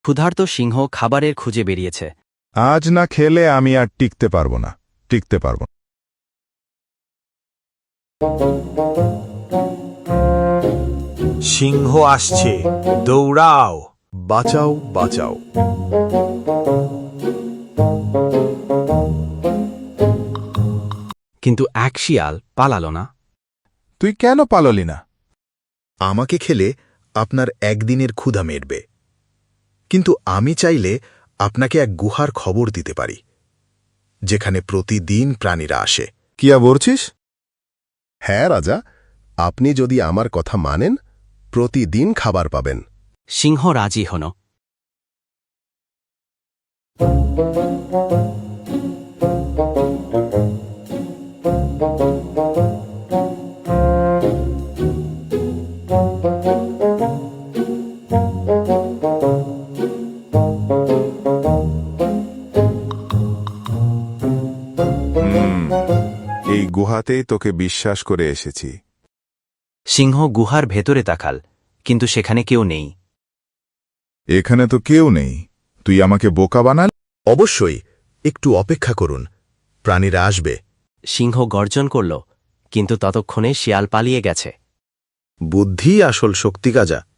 ক্ষুধার্ত সিংহ খাবারের খুঁজে বেরিয়েছে। আজ না খেলে আমি আর টিকতে পারবো না, টিকতে পারবো না। সিংহ আসছে, দৌড়াও! বাঁচাও, বাঁচাও। কিন্তু এক শিয়াল পালাল না। তুই কেন পাললি না? আমাকে খেলে আপনার একদিনের ক্ষুধা মেটবে, কিন্তু আমি চাইলে আপনাকে এক গুহার খবর দিতে পারি, যেখানে প্রতিদিন প্রাণীরা আসে। কিয়া বলছিস? হ্যাঁ রাজা, আপনি যদি আমার কথা মানেন প্রতিদিন খাবার পাবেন। সিংহ রাজি হল। এই গুহাতেই তোকে বিশ্বাস করে এসেছি। সিংহ গুহার ভেতরে তাকাল, কিন্তু সেখানে কেউ নেই। এখানে তো কেউ নেই, তুই আমাকে বোকা বানাল। অবশ্যই, একটু অপেক্ষা করুন, প্রাণীরা আসবে। সিংহ গর্জন করল, কিন্তু ততক্ষণে শিয়াল পালিয়ে গেছে। বুদ্ধি আসল শক্তি, গাজা।